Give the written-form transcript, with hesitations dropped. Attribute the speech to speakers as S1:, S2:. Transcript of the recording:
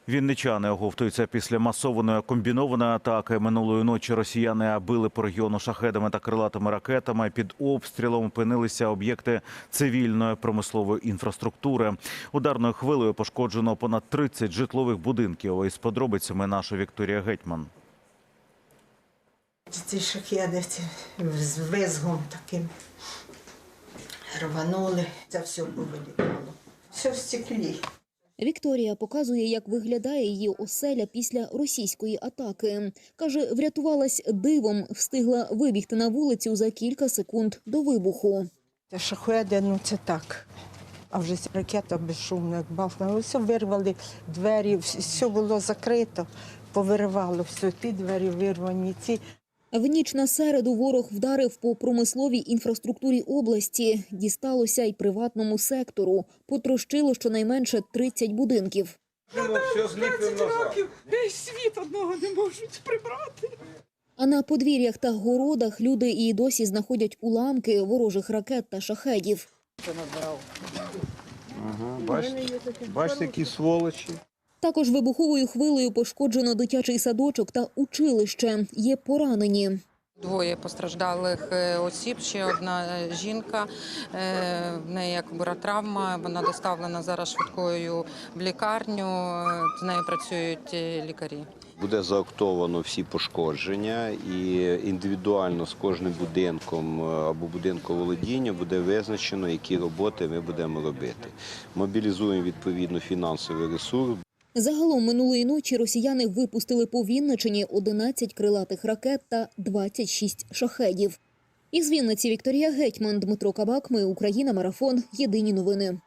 S1: Вінничани оговтуються після масованої комбінованої атаки. Минулої ночі росіяни били по регіону шахедами та крилатими ракетами. Під обстрілом опинилися об'єкти цивільної промислової інфраструктури. Ударною хвилею пошкоджено понад 30 житлових будинків. Із подробицями наша Вікторія Гетьман.
S2: Ці шахеди з визгом таким рванули. Це все повилітало. Все в стеклі.
S3: Вікторія показує, як виглядає її оселя після російської атаки. Каже, врятувалась дивом, встигла вибігти на вулицю за кілька секунд до вибуху.
S2: Це шахеди, це так. А вже ракета безшумна, як бахнула. Все вирвали двері, все було закрито, повиривало все, ті двері вирвані, ці.
S3: В ніч на середу ворог вдарив по промисловій інфраструктурі області. Дісталося й приватному сектору. Потрощило щонайменше 30 будинків.
S4: 20 років весь світ одного не можуть прибрати.
S3: А на подвір'ях та городах люди і досі знаходять уламки ворожих ракет та шахедів.
S5: Ага, бачите, які сволочі.
S3: Також вибуховою хвилею пошкоджено дитячий садочок та училище. Є поранені.
S6: Двоє постраждалих осіб, ще одна жінка, в неї якби травма, вона доставлена зараз швидкою в лікарню, з нею працюють лікарі.
S5: Буде заактовано всі пошкодження і індивідуально з кожним будинком або будинком володіння буде визначено, які роботи ми будемо робити. Мобілізуємо відповідно фінансовий ресурс.
S3: Загалом минулої ночі росіяни випустили по Вінничині 11 крилатих ракет та 26 шахедів. Із Вінниці Вікторія Гетьман, Дмитро Кабак. Ми Україна. Марафон. Єдині новини.